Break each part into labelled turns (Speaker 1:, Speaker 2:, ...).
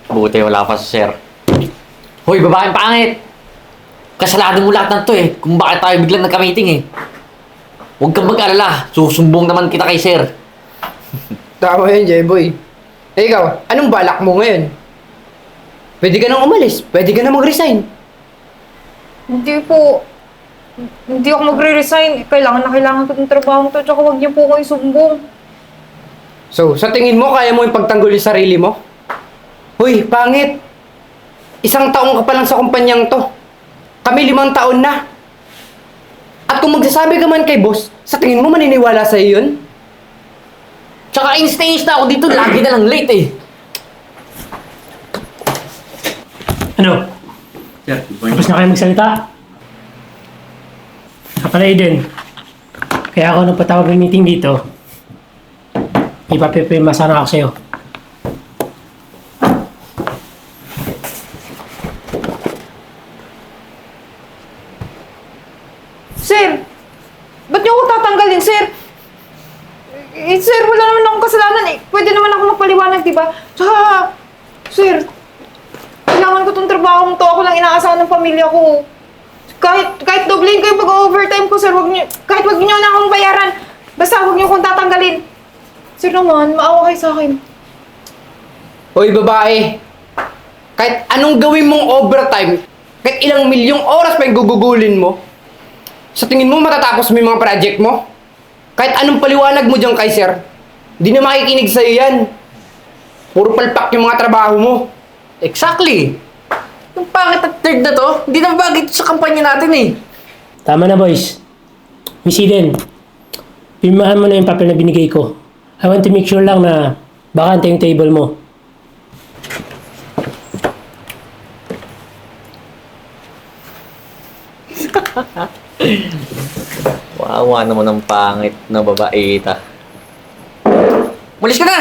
Speaker 1: Buti wala pa sa sir. Hoy, babaeng pangit! Kasalanan mo lahat ng to eh, kung bakit tayo biglang nagka-meeting eh. Huwag kang mag-alala, susumbong naman kita kay sir.
Speaker 2: Tama yun, Jeboy. Eh ikaw, anong balak mo ngayon? Pwede ka nang umalis. Pwede ka nang mag-resign.
Speaker 3: Hindi po. Hindi ako magre-resign. Kailangan na kailangan ko ng trabaho to. Tsaka huwag niyo po ko isumbong.
Speaker 2: So, sa tingin mo, kaya mo yung pagtanggol yung sarili mo? Hoy, pangit! 1 taong ka pa lang sa kumpanyang to. Kami 5 taon na. At kung magsasabi ka man kay boss, sa tingin mo maniniwala sa'yo yun?
Speaker 1: Tsaka in-stage na ako dito, lagi na lang late eh.
Speaker 4: Ano?
Speaker 1: Sir,
Speaker 4: Tapos na kayo magsalita? Kapala Aiden. Kaya ako nagpatawag ng meeting dito. Ipapipirma sana ako sa'yo.
Speaker 3: Sir! Ba't niyo ako tatanggalin, sir? Sir, wala naman akong kasalanan eh. Pwede naman ako magpaliwanag, di ba? Tsaka, sir, kailangan ko tong trabaho to. Ako lang inaasahan ng pamilya ko. Kahit doblein ko yung pag-overtime ko, sir, kahit wag niyo na akong bayaran. Basta wag niyo akong tatanggalin. Sir naman, maawa kayo sa akin.
Speaker 2: Hoy, babae! Kahit anong gawin mong overtime, kahit ilang milyong oras pa yung gugugulin mo, sa tingin mo matatapos mo yung mga project mo? Kahit anong paliwanag mo dyan kay sir, di na makikinig sa'yo yan. Puro palpak yung mga trabaho mo.
Speaker 1: Exactly! Yung pangit at third na to, hindi na bagay ito sa kampanya natin eh.
Speaker 4: Tama na boys. Miss Eden, pirmahan mo na yung papel na binigay ko. I want to make sure lang na bakante yung table mo.
Speaker 1: Wawa naman ang pangit na babaita. Malis ka na!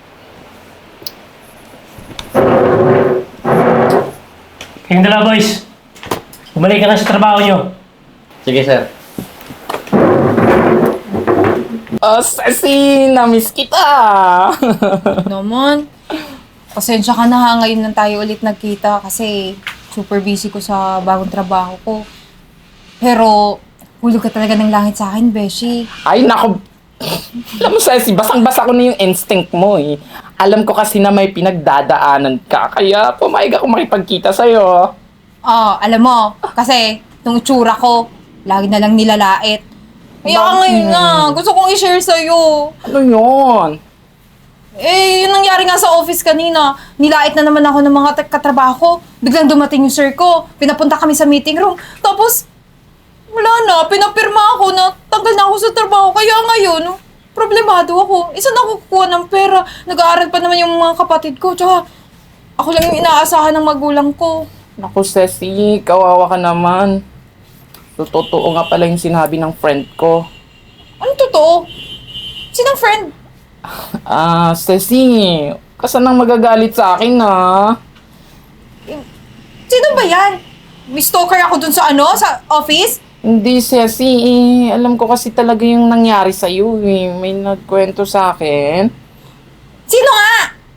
Speaker 4: Kayong dalawa boys, bumalik ka na sa trabaho nyo.
Speaker 1: Sige sir.
Speaker 5: Oh, Ceci! Na-miss kita!
Speaker 3: Naman, pasensya ka na ha. Ngayon lang tayo ulit nagkita kasi super busy ko sa bagong trabaho ko. Pero, hulog ka talaga ng langit sa akin, Beshi.
Speaker 5: Ay, naku! Alam mo, Ceci, basang-basa ko na yung instinct mo eh. Alam ko kasi na may pinagdadaanan ka, kaya pumayag ako makipagkita sa'yo.
Speaker 3: Alam mo, kasi nung itsura ko, lagi na lang nilalait. Kaya ngayon nga, gusto kong i-share sa'yo.
Speaker 5: Ano yun?
Speaker 3: Eh, yun nangyari nga sa office kanina. Nilait na naman ako ng mga katrabaho ko. Biglang dumating yung sir ko. Pinapunta kami sa meeting room. Tapos, wala na. Pinapirma ako na tanggal na ako sa trabaho. Kaya ngayon, problemado ako. Isa na ako kukuha ng pera. Nag-aaral pa naman yung mga kapatid ko. Tsaka, ako lang yung inaasahan ng magulang ko.
Speaker 5: Naku, Ceci, kawawa ka naman. So, totoo nga pala yung sinabi ng friend ko.
Speaker 3: Ano totoo? Sinong friend?
Speaker 5: Ceci, kasan nang magagalit sa akin na?
Speaker 3: Sino ba yan? May stalker ako dun sa sa office?
Speaker 5: Hindi, Ceci, alam ko kasi talaga yung nangyari sa'yo eh. May nagkwento sa akin.
Speaker 3: Sino nga?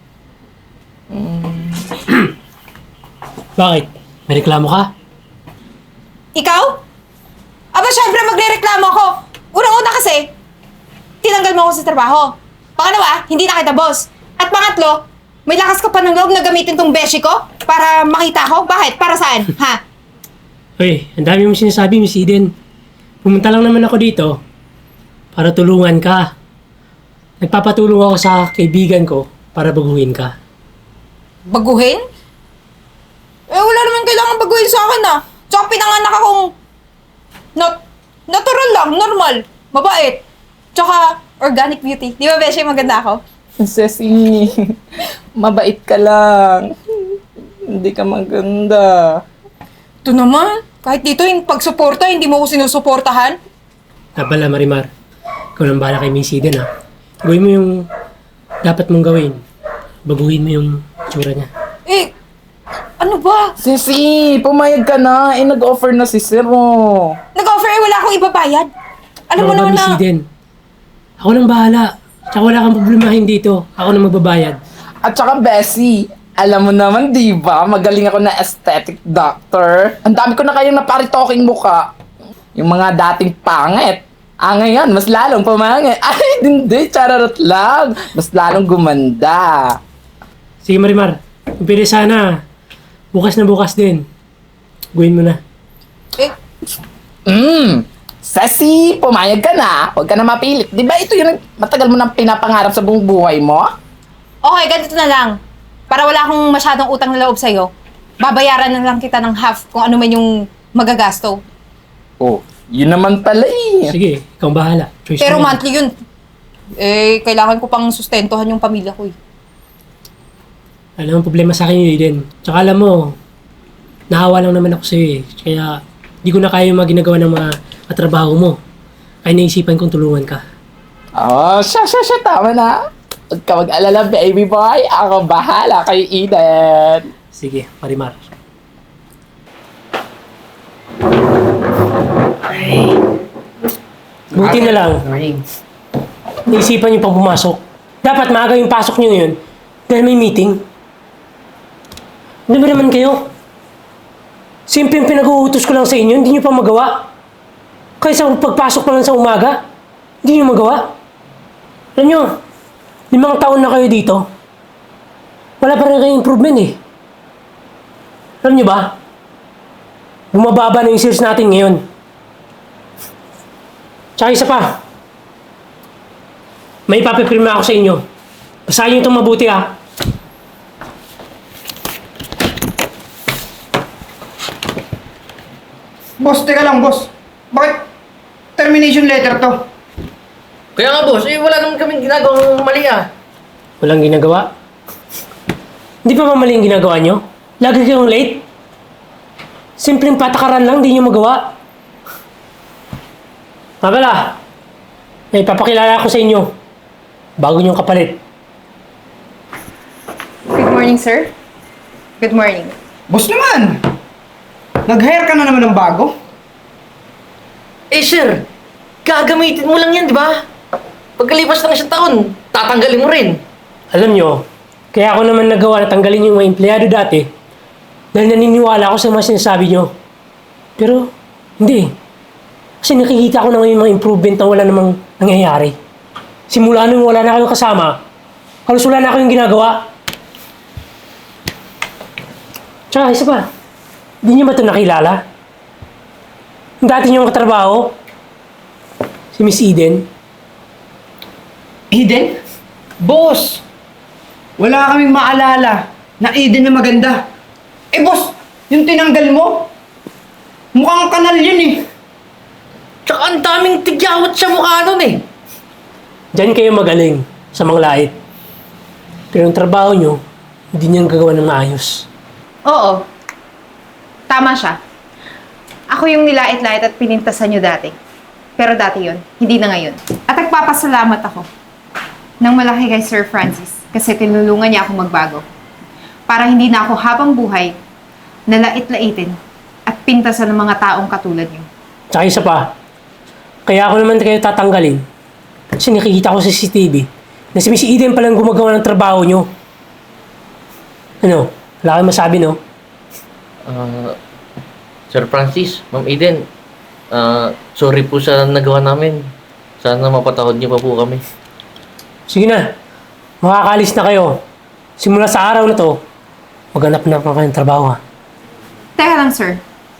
Speaker 4: Bakit? May reklamo ka?
Speaker 3: Ikaw? Aba, syempre magre-reklamo ako. Unang-una kasi, tinanggal mo ako sa trabaho. Pangalawa, hindi na kita boss. At pangatlo, may lakas ka pa ng loob na gamitin tong beshi ko para makita ko? Bakit? Para saan? Ha?
Speaker 4: Hoy, ang dami mong sinasabi, Miss Eden. Pumunta lang naman ako dito para tulungan ka. Nagpapatulong ako sa kaibigan ko para baguhin ka.
Speaker 3: Baguhin? Eh, wala naman kailangan baguhin sa akin Tsaka pinanganak akong natural lang, normal, mabait. Tsaka organic beauty. Di ba, beshi, maganda ako?
Speaker 5: Ceci, mabait ka lang. Hindi ka maganda.
Speaker 3: Ito naman, kahit dito yung pagsuporta, hindi mo ko sinusuportahan.
Speaker 4: Pala, Marimar. Ikaw nang bahala kay Miss Eden, ha? Gawin mo yung dapat mong gawin. Baguhin mo yung tsura niya.
Speaker 3: Eh, ano ba?
Speaker 5: Ceci, pumayag ka na. Nag-offer na si Sir mo.
Speaker 3: Nag-offer wala akong ibabayad. Alam mo
Speaker 4: Ano ba,
Speaker 3: naman
Speaker 4: Miss
Speaker 3: na...
Speaker 4: Eden? Ako nang bahala. Tsaka wala kang problemahin dito. Ako nang magbabayad.
Speaker 5: At saka, Bessie, Alam mo naman, di ba? Magaling ako na aesthetic doctor. Ang dami ko na kayang naparitoking muka. Yung mga dating pangit. Ngayon, mas lalong pumangit. Ay, hindi, chararot lang. Mas lalong gumanda.
Speaker 4: Sige Marimar, kung pwede sana, bukas na bukas din. Gawin mo na.
Speaker 3: Eh,
Speaker 5: Sassy, pumayag ka na. Huwag ka na mapilit. Di ba ito yung matagal mo nang pinapangarap sa buong buhay mo?
Speaker 3: okay, ganito na lang. Para wala akong masyadong utang na loob sa'yo, babayaran na lang kita ng half kung ano man yung magagasto.
Speaker 5: Oh, yun naman pala eh.
Speaker 4: Sige, ikaw ang bahala. Choice
Speaker 3: Pero
Speaker 4: mo yan.
Speaker 3: monthly yun. Eh, kailangan ko pang sustentuhan yung pamilya ko eh.
Speaker 4: Alam mo, problema sa akin yun din. Tsaka alam mo, nahawa lang naman ako sa'yo eh. Kaya, di ko na kaya yung mga ginagawa ng mga katrabaho mo. Kaya naisipan kong tulungan ka.
Speaker 5: Oh, siya, tama na. Huwag ka mag-alala, baby boy. Ako bahala kay Eden.
Speaker 4: Sige, Marimar. Buti na lang. Naisipan niyo pang pumasok. Dapat maaga yung pasok niyo ngayon dahil may meeting. Ano ba naman kayo? Simpleng pinag-uutos ko lang sa inyo, hindi niyo pa magawa. Kaysa pagpasok pa lang sa umaga, hindi niyo magawa. Alam niyo, 5 taon na kayo dito. Wala pa rin kayong improvement eh. Alam niyo ba? Bumababa na yung sales natin ngayon. Tsaka isa pa. May ipapipirma ako sa inyo. Basahin niyo itong mabuti ha.
Speaker 2: Boss, teka lang, boss. Bakit termination letter to?
Speaker 1: Kaya nga boss, wala naman kaming ginagawang mali ah.
Speaker 4: Walang ginagawa. Hindi pa ba mali yung ginagawa nyo? Lagi kayong late? Simpleng patakaran lang, di nyo magawa. Mabala, may papakilala ako sa inyo. Bago nyong kapalit.
Speaker 3: Good morning, sir. Good morning.
Speaker 2: Boss naman! Nag-hire ka na naman ng bago?
Speaker 1: Eh sir, gagamitin mo lang yan, di ba? Pagkalipas ng 1 taon, tatanggalin mo rin.
Speaker 4: Alam nyo, kaya ako naman nagawa na tanggalin yung mga empleyado dati dahil naniniwala ako sa mga sinasabi nyo. Pero, hindi. Kasi nakikita ko na ngayon mga improvement na wala namang nangyayari. Simula nung wala na kayong kasama, halos wala na kayong ginagawa. Tsaka, isa pa, hindi nyo ba ito nakilala? Yung dati nyo katrabaho, si Miss Eden.
Speaker 2: Eden? Boss! Wala kaming maalala na Eden na maganda. Eh boss, yung tinanggal mo, mukhang kanal yun eh.
Speaker 1: Tsaka ang daming tigyawat sa mukha nun eh.
Speaker 4: Diyan kayo magaling sa mga lait. Pero yung trabaho nyo, hindi nyo gagawa ng maayos.
Speaker 3: Oo. Tama siya. Ako yung nilait-lait at pinintasan nyo dati. Pero dati yon, hindi na ngayon. At nagpapasalamat ako ng malaki kay Sir Francis kasi tinulungan niya ako magbago. Para hindi na ako habang buhay nalait-laitin at pintasan ng mga taong katulad niyo.
Speaker 4: Tsaka isa pa, kaya ako naman kayo tatanggalin. Kasi nakikita ko sa CCTV na si Miss Eden palang gumagawa ng trabaho nyo. Ano? Wala kayong masabi, no?
Speaker 1: Sir Francis, Ma'am Eden, sorry po sa nagawa namin. Sana mapatawad niyo pa po kami.
Speaker 4: Sige na. Makakalis na kayo. Simula sa araw na to, maghanap na pa kayo ng trabaho, ha?
Speaker 3: Teka lang, sir.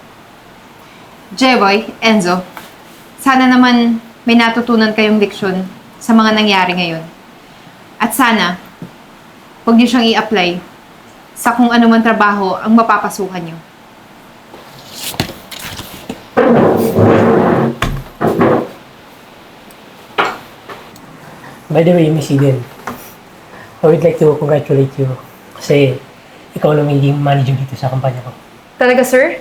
Speaker 3: Jeboy, Enzo, sana naman may natutunan kayong leksyon sa mga nangyari ngayon. At sana, huwag niyo siyang i-apply sa kung ano man trabaho ang mapapasukan niyo.
Speaker 4: By the way, Miss Eden, I would like to congratulate you kasi ikaw lang magiging manager dito sa kumpanya ko.
Speaker 3: Talaga, sir?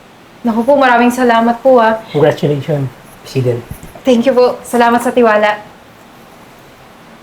Speaker 3: Naku po, maraming salamat po, ah.
Speaker 4: Congratulations, Miss Eden.
Speaker 3: Thank you po. Salamat sa tiwala.